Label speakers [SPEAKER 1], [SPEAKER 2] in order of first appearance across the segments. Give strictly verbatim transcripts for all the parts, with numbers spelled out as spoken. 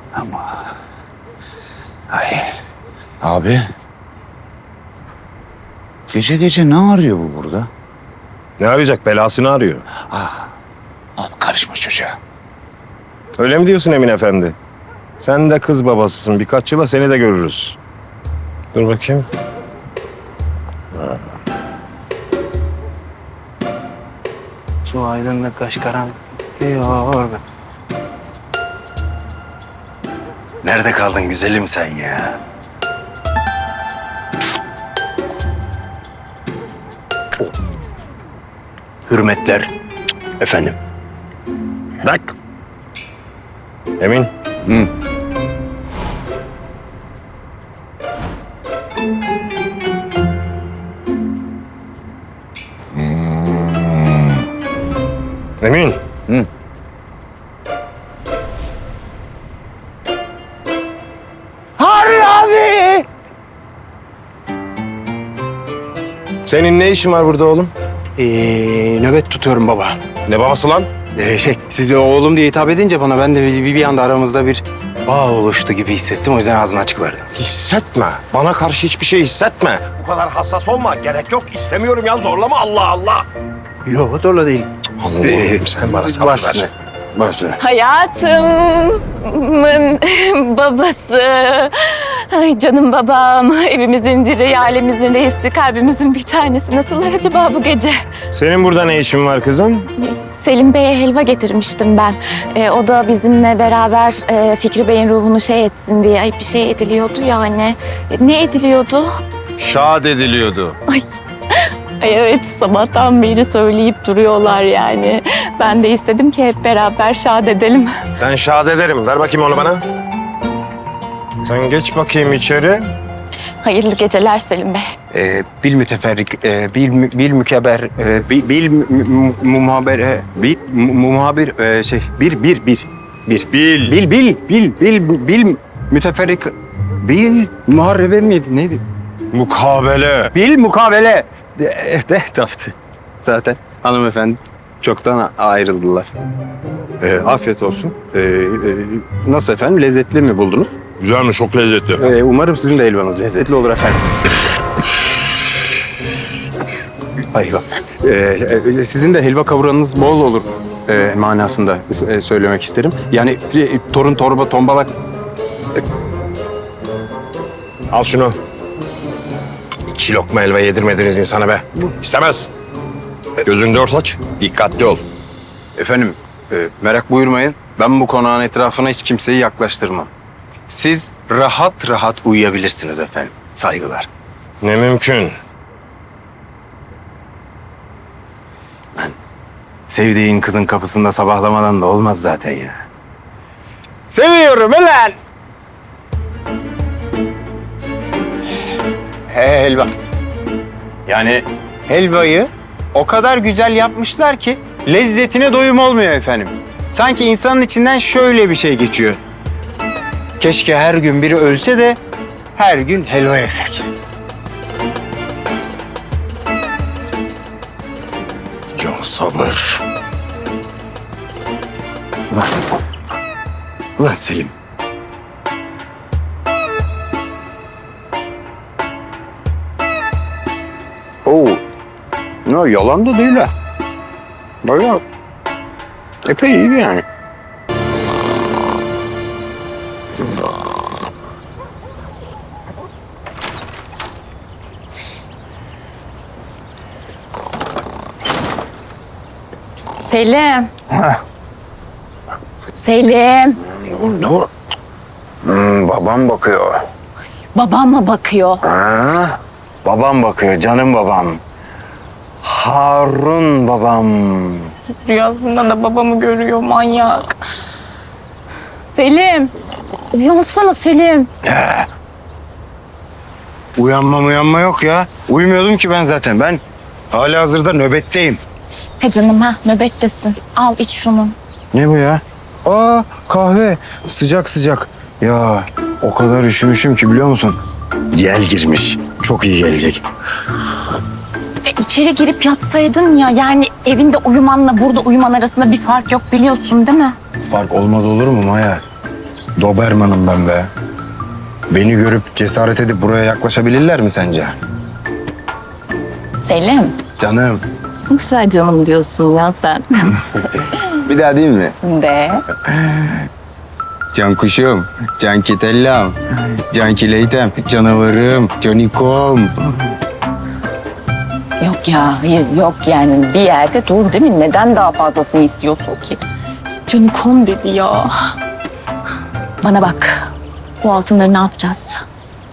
[SPEAKER 1] Ama... Ay. Abi. Gece gece ne arıyor bu burada?
[SPEAKER 2] Ne arayacak? Belasını arıyor.
[SPEAKER 1] Abi karışma çocuğa.
[SPEAKER 2] Öyle mi diyorsun Emin Efendi? Sen de kız babasısın. Birkaç yıla seni de görürüz. Dur bakayım.
[SPEAKER 3] Su aydınlık kaş karanlık diyor. Nerede kaldın güzelim sen ya? Hürmetler efendim.
[SPEAKER 2] Bak. Emin.
[SPEAKER 1] Hı.
[SPEAKER 2] Emin.
[SPEAKER 1] Hı.
[SPEAKER 3] Harun abi!
[SPEAKER 2] Senin ne işin var burada oğlum?
[SPEAKER 3] Ee, nöbet tutuyorum baba.
[SPEAKER 2] Ne babası lan?
[SPEAKER 3] Ee, şey, siz oğlum diye hitap edince bana ben de bir, bir anda aramızda bir bağ oluştu gibi hissettim. O yüzden ağzımı açık verdim.
[SPEAKER 2] Hissetme. Bana karşı hiçbir şey hissetme. Bu kadar hassas olma. Gerek yok. İstemiyorum ya. Zorlama. Allah Allah.
[SPEAKER 3] Yok zorla değil.
[SPEAKER 2] Allah'ım sen bana sabır
[SPEAKER 3] Baş
[SPEAKER 2] ver.
[SPEAKER 3] üstüne, baş üstüne.
[SPEAKER 4] Hayatımın babası. Ay canım babam. Evimizin direği, ailemizin reisi, kalbimizin bir tanesi. Nasıllar acaba bu gece?
[SPEAKER 2] Senin burada ne işin var kızım?
[SPEAKER 4] Selim Bey'e helva getirmiştim ben. Ee, o da bizimle beraber e, Fikri Bey'in ruhunu şey etsin diye. Ay bir şey ediliyordu yani. E, ne ediliyordu?
[SPEAKER 2] Şad ediliyordu.
[SPEAKER 4] Ay. Ay evet, sabahtan beri söyleyip duruyorlar yani. Ben de istedim ki hep beraber şad edelim.
[SPEAKER 2] Ben şad ederim. Ver bakayım onu bana. Sen geç bakayım içeri.
[SPEAKER 4] Hayırlı geceler Selim Bey.
[SPEAKER 3] Ee, bil müteferrik, e, bil, mü- bil mükeber, e, bil, bil mü- mü- mu- muhaber, e, bil mu- muhabir, e, şey, bir, bir, bir, bir.
[SPEAKER 2] Bil.
[SPEAKER 3] Bil, bil, bil, bil, bil müteferrik, bil muharrebe miydi, neydi?
[SPEAKER 2] Mukabele.
[SPEAKER 3] Bil mukabele. De, de, taftı. Zaten hanımefendi çoktan ayrıldılar. Ee, afiyet olsun. Ee, e, nasıl efendim, lezzetli mi buldunuz?
[SPEAKER 2] Güzelmiş, çok lezzetli.
[SPEAKER 3] Ee, umarım sizin de helvanız lezzetli olur efendim. Hayva. Ee, e, sizin de helva kavuranınız bol olur e, manasında e, söylemek isterim. Yani e, torun, torba, tombalak.
[SPEAKER 2] Al şunu. İki lokma helva yedirmediniz insana be. İstemez. Gözünü dört aç, dikkatli ol.
[SPEAKER 3] Efendim e, merak buyurmayın. Ben bu konağın etrafına hiç kimseyi yaklaştırmam. Siz rahat rahat uyuyabilirsiniz efendim. Saygılar.
[SPEAKER 2] Ne mümkün.
[SPEAKER 3] Sevdiğin kızın kapısında sabahlamadan da olmaz zaten ya. Seviyorum ulan! He helva. Yani helvayı o kadar güzel yapmışlar ki lezzetine doyum olmuyor efendim. Sanki insanın içinden şöyle bir şey geçiyor. Keşke her gün biri ölse de her gün helva yesek.
[SPEAKER 2] Ya sabır.
[SPEAKER 3] Ulan, ulan Selim. Oo, no, yalan da değil ha. Bayağı epey iyi yani.
[SPEAKER 4] Selim. Selim.
[SPEAKER 3] Dur. Hmm, babam bakıyor.
[SPEAKER 4] Babam mı bakıyor?
[SPEAKER 3] Ha? Babam bakıyor, canım babam. Harun babam.
[SPEAKER 4] Rüyasında da babamı görüyor manyak. Selim. Uyansana Selim.
[SPEAKER 3] He. Uyanma uyanma yok ya. Uyumuyordum ki ben zaten. Ben halihazırda nöbetteyim.
[SPEAKER 4] He canım ha, nöbettesin. Al iç şunu.
[SPEAKER 3] Ne bu ya? Aa, kahve. Sıcak sıcak. Ya o kadar üşümüşüm ki biliyor musun? Yel girmiş. Çok iyi gelecek.
[SPEAKER 4] E, içeri girip yatsaydın ya. Yani evinde uyumanla burada uyuman arasında bir fark yok biliyorsun değil mi?
[SPEAKER 3] Fark olmaz olur mu Maya? Doberman'ım ben be. Beni görüp cesaret edip buraya yaklaşabilirler mi sence?
[SPEAKER 4] Selim.
[SPEAKER 3] Canım.
[SPEAKER 4] Güzel canım diyorsun ya sen.
[SPEAKER 3] Bir daha değil mi?
[SPEAKER 4] De.
[SPEAKER 3] Can kuşum, can kitellam, can kileytem, canavarım, canikom.
[SPEAKER 4] Yok ya, hayır yok yani bir yerde dur değil mi? Neden daha fazlasını istiyorsun ki? Canım kom dedi ya. Bana bak, bu altınları ne yapacağız?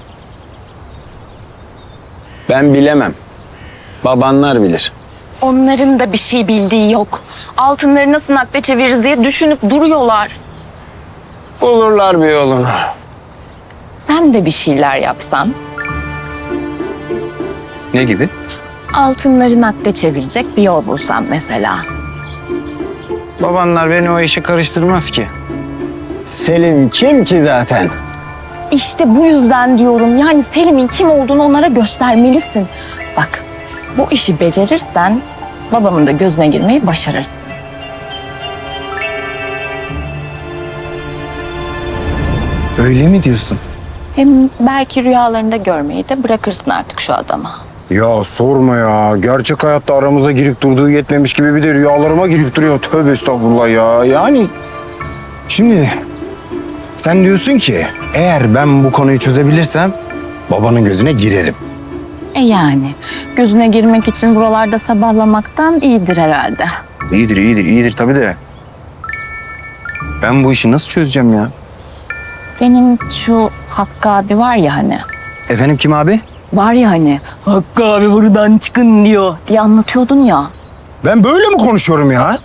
[SPEAKER 3] Ben bilemem. Babanlar bilir.
[SPEAKER 4] Onların da bir şey bildiği yok. Altınları nasıl nakde çeviririz diye düşünüp duruyorlar.
[SPEAKER 3] Bulurlar bir yolunu.
[SPEAKER 4] Sen de bir şeyler yapsan,
[SPEAKER 3] Ne gibi?
[SPEAKER 4] altınları nakde çevirecek bir yol bulsan mesela.
[SPEAKER 3] Babanlar beni o işe karıştırmaz ki. Selim kim ki zaten?
[SPEAKER 4] İşte bu yüzden diyorum yani Selim'in kim olduğunu onlara göstermelisin. Bak, bu işi becerirsen babamın da gözüne girmeyi başarırsın.
[SPEAKER 3] Öyle mi diyorsun?
[SPEAKER 4] Hem belki rüyalarında görmeyi de bırakırsın artık şu adama.
[SPEAKER 3] Ya sorma ya. Gerçek hayatta aramıza girip durduğu yetmemiş gibi bir de rüyalarıma girip duruyor. Tövbe estağfurullah ya. Yani şimdi sen diyorsun ki eğer ben bu konuyu çözebilirsem babanın gözüne girerim.
[SPEAKER 4] E yani gözüne girmek için buralarda sabahlamaktan iyidir herhalde.
[SPEAKER 3] İyidir, iyidir, iyidir tabii de. Ben bu işi nasıl çözeceğim ya?
[SPEAKER 4] Senin şu Hakkı abi var ya hani.
[SPEAKER 3] Efendim kim abi?
[SPEAKER 4] Var ya hani Hakkı abi buradan çıkın diyor diye anlatıyordun ya.
[SPEAKER 3] Ben böyle mi konuşuyorum ya?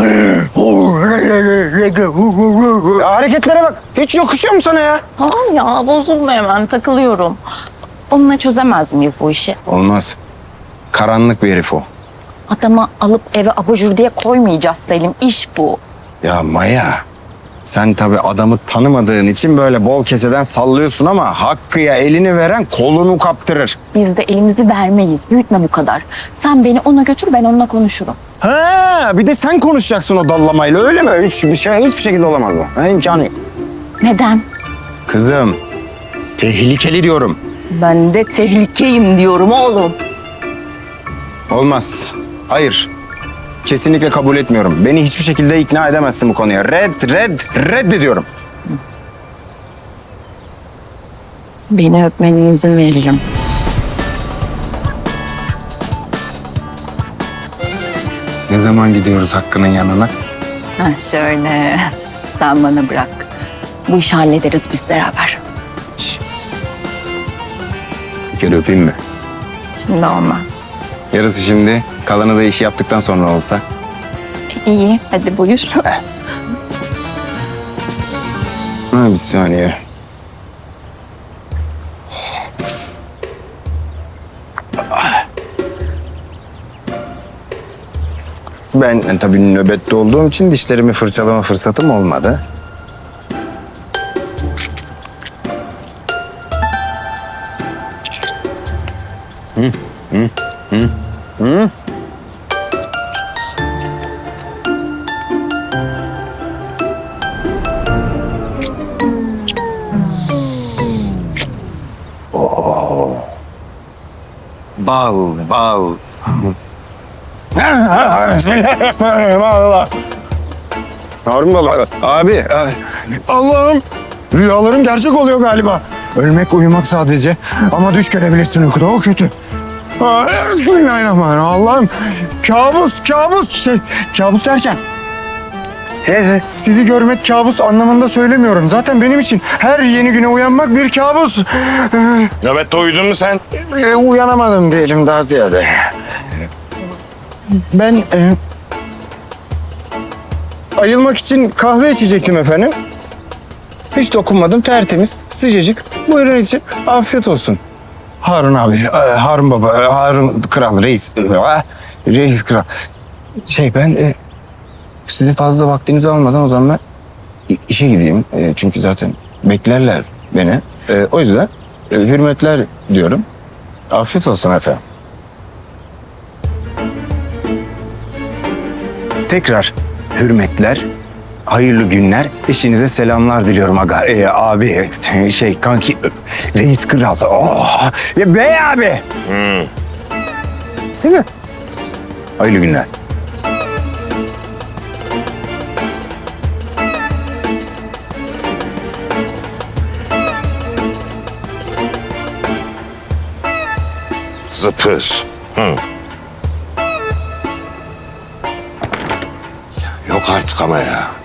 [SPEAKER 3] Ya hareketlere bak. Hiç yakışıyor mu sana ya?
[SPEAKER 4] Tamam ya bozulma hemen takılıyorum. Onunla çözemez miyiz bu işi?
[SPEAKER 3] Olmaz. Karanlık bir herif o.
[SPEAKER 4] Adamı alıp eve abajur diye koymayacağız Selim. İş bu.
[SPEAKER 3] Ya Maya, sen tabii adamı tanımadığın için böyle bol keseden sallıyorsun ama Hakkı'ya elini veren kolunu kaptırır.
[SPEAKER 4] Biz de elimizi vermeyiz. Büyütme bu kadar. Sen beni ona götür ben onunla konuşurum.
[SPEAKER 3] Ha, bir de sen konuşacaksın o dallamayla öyle mi? Hiçbir şey, hiçbir şekilde olamaz bu. Ha, imkanı yok.
[SPEAKER 4] Neden?
[SPEAKER 3] Kızım, tehlikeli diyorum.
[SPEAKER 4] Ben de tehlikeyim diyorum oğlum.
[SPEAKER 3] Olmaz. Hayır. Kesinlikle kabul etmiyorum. Beni hiçbir şekilde ikna edemezsin bu konuya. Red, red, reddediyorum.
[SPEAKER 4] Beni öpmene izin veririm.
[SPEAKER 3] Ne zaman gidiyoruz Hakkı'nın yanına?
[SPEAKER 4] Ha şöyle. Sen bana bırak. Bu işi hallederiz biz beraber.
[SPEAKER 3] Bir kere öpeyim mi?
[SPEAKER 4] Şimdi olmaz.
[SPEAKER 3] Yarısı şimdi, kalanı da işi yaptıktan sonra olsa.
[SPEAKER 4] İyi hadi buyur.
[SPEAKER 3] Ha, bir saniye. Ben e, tabii nöbette olduğum için dişlerimi fırçalama fırsatım olmadı. Hı, hı, hı, hı. Bal, bal. Bismillahirrahmanirrahim. Allah. Harun baba, abi. ay, Allah'ım. Rüyalarım gerçek oluyor galiba. Ölmek, uyumak sadece. Ama düş görebilirsin uykuda. O kötü. Ay, Bismillahirrahmanirrahim. Allah'ım. Kabus, kabus. Şey, kabus derken. Evet, sizi görmek kabus anlamında söylemiyorum. Zaten benim için her yeni güne uyanmak bir kabus. Ee,
[SPEAKER 2] Nöbette uyudun mu sen?
[SPEAKER 3] e, uyanamadım diyelim daha ziyade. Ben e, ayılmak için kahve içecektim efendim. Hiç dokunmadım, tertemiz, sıcacık. Buyurun için, afiyet olsun. Harun abi, e, Harun baba, e, Harun kral, reis, e, reis kral. Şey ben e, sizin fazla vaktinizi almadan o zaman ben i- işe gideyim. E, çünkü zaten beklerler beni. E, o yüzden e, hürmetler diyorum. Afiyet olsun efendim. Tekrar hürmetler, hayırlı günler, Eşinize selamlar diliyorum aga. Ee, abi şey kanki reis kral. Oh. Ya bey abi.
[SPEAKER 2] Hmm.
[SPEAKER 3] Değil mi? Hayırlı günler.
[SPEAKER 2] Zıpır. Hı. Yok artık ama ya.